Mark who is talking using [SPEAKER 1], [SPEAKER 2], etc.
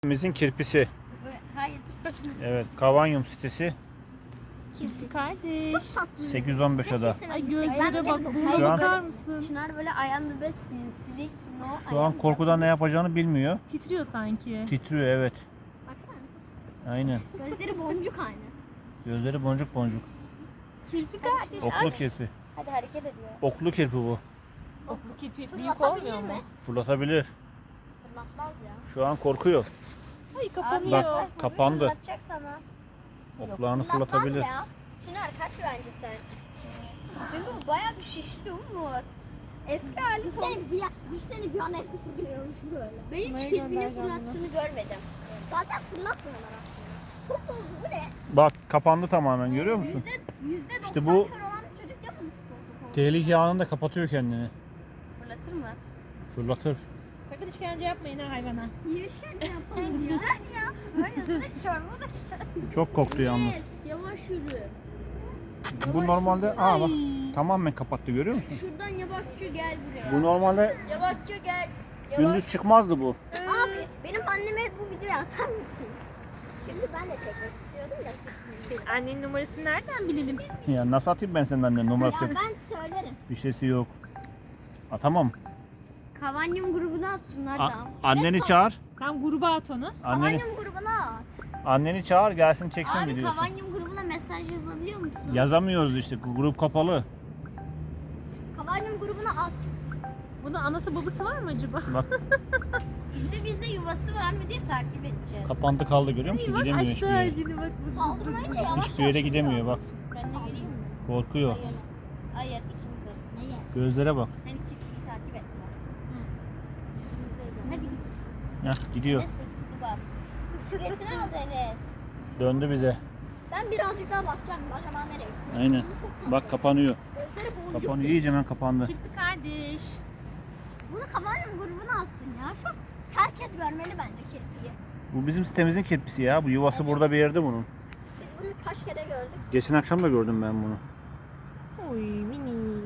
[SPEAKER 1] Sitemizin kirpisi.
[SPEAKER 2] Hayır.
[SPEAKER 1] Evet, Kavanyum sitesi.
[SPEAKER 3] Kirpi kardeş.
[SPEAKER 1] 815 ada.
[SPEAKER 3] Ay gözlere bak. Buna
[SPEAKER 1] Şu an-
[SPEAKER 3] bakar mısın?
[SPEAKER 2] Çınar böyle ayağında böyle sinsilik.
[SPEAKER 1] Şu an korkudan ne yapacağını bilmiyor.
[SPEAKER 3] Titriyor sanki.
[SPEAKER 1] Titriyor, evet.
[SPEAKER 2] Baksana.
[SPEAKER 1] Aynen.
[SPEAKER 2] Gözleri boncuk aynı.
[SPEAKER 1] Gözleri boncuk boncuk.
[SPEAKER 3] Kirpi kardeş.
[SPEAKER 1] Oklu kirpi.
[SPEAKER 2] Hadi hareket ediyor.
[SPEAKER 1] Oklu kirpi bu.
[SPEAKER 3] Bu kirpi büyük
[SPEAKER 2] Fırlatabilir
[SPEAKER 3] olmuyor mu?
[SPEAKER 2] mi?
[SPEAKER 1] Fırlatabilir.
[SPEAKER 2] Fırlatmaz ya.
[SPEAKER 1] Şu an korkuyor.
[SPEAKER 3] Ay kapanıyor.
[SPEAKER 1] Bak, kapandı.
[SPEAKER 2] Fırlatacak sana.
[SPEAKER 1] Oklarını
[SPEAKER 2] Fırlatmaz
[SPEAKER 1] fırlatabilir.
[SPEAKER 2] ya. Çınar kaç bence sen? Çünkü bu bayağı bir şişti Umut. Eski hali
[SPEAKER 4] Dişlerini bir an hepsi fırlıyormuş böyle.
[SPEAKER 2] Ben hiç
[SPEAKER 3] Nereye
[SPEAKER 2] kirpini
[SPEAKER 3] göndereceğim
[SPEAKER 2] fırlattığını görmedim.
[SPEAKER 4] Zaten fırlatmıyorlar aslında. Top oldu bu ne?
[SPEAKER 1] Bak, kapandı tamamen, görüyor musun?
[SPEAKER 4] %90
[SPEAKER 1] İşte bu-
[SPEAKER 4] kör olan bir çocuk yapın futbol sokağı.
[SPEAKER 1] Tehlike anında kapatıyor kendini.
[SPEAKER 2] Fırlatır mı?
[SPEAKER 1] Fırlatır.
[SPEAKER 3] Sakın işkence yapmayın ha hayvana.
[SPEAKER 4] Niye işkence yapalım ya?
[SPEAKER 2] ya. Böyle hızlı çorba da.
[SPEAKER 1] Çok korktu yalnız.
[SPEAKER 4] Yavaş yürü.
[SPEAKER 1] Bu normalde bak tamamen kapattı, görüyor musun?
[SPEAKER 4] Şuradan yavaşça gel buraya.
[SPEAKER 1] Bu normalde
[SPEAKER 4] Yavaşça gel.
[SPEAKER 1] gündüz çıkmazdı bu.
[SPEAKER 4] Abi benim anneme bu videoyu atar mısın? Şimdi ben de çekmek istiyordum da.
[SPEAKER 3] Senin annenin numarasını nereden bilelim?
[SPEAKER 1] Ya nasıl atayım ben senin annen numarası?
[SPEAKER 4] Ya ben söylerim.
[SPEAKER 1] Bir şeysi yok. Atamam.
[SPEAKER 2] Kavanyum grubuna atsınlar da.
[SPEAKER 1] Anneni çağır.
[SPEAKER 3] Sen gruba at onu.
[SPEAKER 1] Anneni,
[SPEAKER 4] Kavanyum grubuna at.
[SPEAKER 1] anneni çağır, gelsin çeksin
[SPEAKER 2] Abi
[SPEAKER 1] videosu.
[SPEAKER 2] Kavanyum grubuna mesaj yazabiliyor musun?
[SPEAKER 1] Yazamıyoruz işte, grup kapalı.
[SPEAKER 4] Kavanyum grubuna at.
[SPEAKER 3] Bunun anası babası var mı acaba?
[SPEAKER 1] Bak,
[SPEAKER 2] İşte bizde yuvası var mı diye takip edeceğiz.
[SPEAKER 1] kapandı kaldı, görüyor musun?
[SPEAKER 3] Bak
[SPEAKER 1] Gidemiyor hiçbir
[SPEAKER 3] aşağı
[SPEAKER 1] yere.
[SPEAKER 3] yine bak.
[SPEAKER 4] Saldırmayın da yavaş
[SPEAKER 1] Hiçbir yere gidemiyor bak.
[SPEAKER 2] Ben de geleyim mi?
[SPEAKER 1] Korkuyor.
[SPEAKER 2] Hayır ikimiz arasında. Neye?
[SPEAKER 1] Gözlere bak.
[SPEAKER 2] Hani kirpiyi takip etme. İkimiz arasında. Hadi git.
[SPEAKER 1] Heh, gidiyor.
[SPEAKER 2] Enes de gitti bak. Bisikletini aldı Enes.
[SPEAKER 1] Döndü bize.
[SPEAKER 4] Ben birazcık daha bakacağım. Acaba nereye?
[SPEAKER 1] Aynen. Bak, kapanıyor.
[SPEAKER 4] Gözleri boğuluyor.
[SPEAKER 1] Kapanıyor. İyice hemen kapandı.
[SPEAKER 3] Kirpi kardeş.
[SPEAKER 4] Bunu Kavanyum grubuna atsın ya. Çok herkes görmeli bence kirpiyi.
[SPEAKER 1] Bu bizim sitemizin kirpisi ya. Bu yuvası burada bir yerde bunun.
[SPEAKER 4] Biz bunu kaç kere gördük.
[SPEAKER 1] Geçen akşam da gördüm ben bunu.
[SPEAKER 3] Oy mini.